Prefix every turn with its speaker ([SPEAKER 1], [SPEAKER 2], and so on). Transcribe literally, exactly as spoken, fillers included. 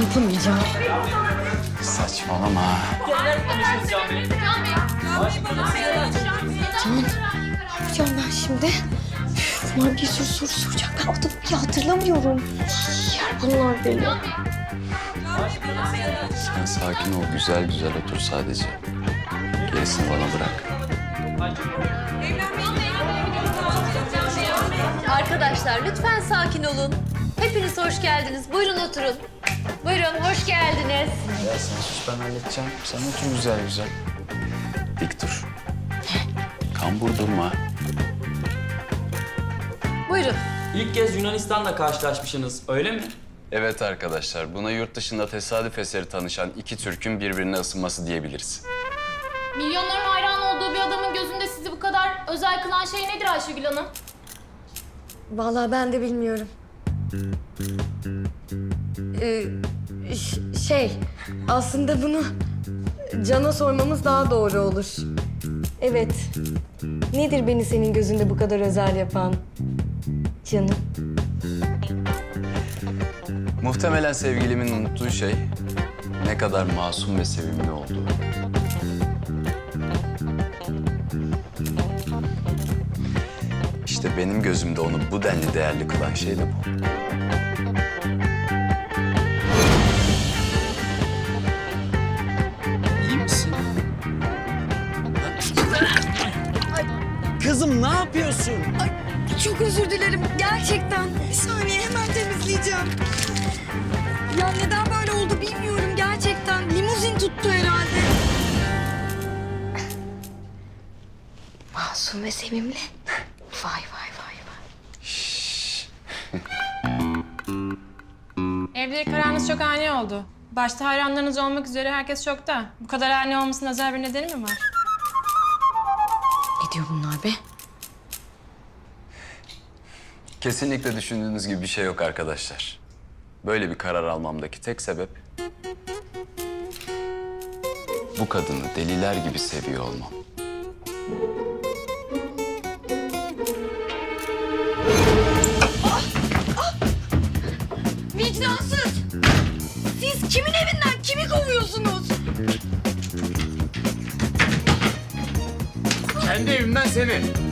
[SPEAKER 1] yapamayacağım.
[SPEAKER 2] Saçmalama.
[SPEAKER 1] Can, ne yapacağım ben şimdi? Üf, bunlar bir sürü soru soracak. Ben adımı bile hatırlamıyorum. Yer bunlar beni.
[SPEAKER 2] Sen sakin ol, güzel güzel otur sadece. Gerisini bana bırak.
[SPEAKER 3] Arkadaşlar lütfen sakin olun. Hepiniz hoş geldiniz. Buyurun oturun. Buyurun, hoş geldiniz.
[SPEAKER 2] Ya sen sus, ben halledeceğim. Sen otur güzel güzel. Dik dur. Kambur durma.
[SPEAKER 3] Buyurun.
[SPEAKER 4] İlk kez Yunanistan'la karşılaşmışsınız, öyle mi?
[SPEAKER 2] Evet arkadaşlar, buna yurt dışında tesadüf eseri tanışan iki Türk'ün birbirine ısınması diyebiliriz.
[SPEAKER 5] Milyonların hayran olduğu bir adamın gözünde sizi bu kadar özel kılan şey nedir Ayşegül Hanım?
[SPEAKER 1] Vallahi ben de bilmiyorum. Ee, ş- şey, aslında bunu Can'a sormamız daha doğru olur. Evet. Nedir beni senin gözünde bu kadar özel yapan canım?
[SPEAKER 2] Muhtemelen sevgilimin unuttuğu şey ne kadar masum ve sevimli olduğu. İşte benim gözümde onu bu denli değerli kılan şey de bu. İyi misin?
[SPEAKER 6] Kızım ne yapıyorsun?
[SPEAKER 1] Çok özür dilerim gerçekten. Bir saniye hemen temizleyeceğim. Ya neden böyle oldu bilmiyorum gerçekten. Limuzin tuttu herhalde. Masum ve sevimli. Vay vay vay vay.
[SPEAKER 5] Evlilik kararınız çok ani oldu. Başta hayranlarınız olmak üzere herkes şokta. Bu kadar ani olmasının özel bir nedeni mi var?
[SPEAKER 1] Ne diyor bunlar be?
[SPEAKER 2] Kesinlikle düşündüğünüz gibi bir şey yok arkadaşlar. Böyle bir karar almamdaki tek sebep bu kadını deliler gibi seviyor olmam.
[SPEAKER 1] Vicdansız! Siz kimin evinden kimi kovuyorsunuz?
[SPEAKER 6] Kendi evimden seni.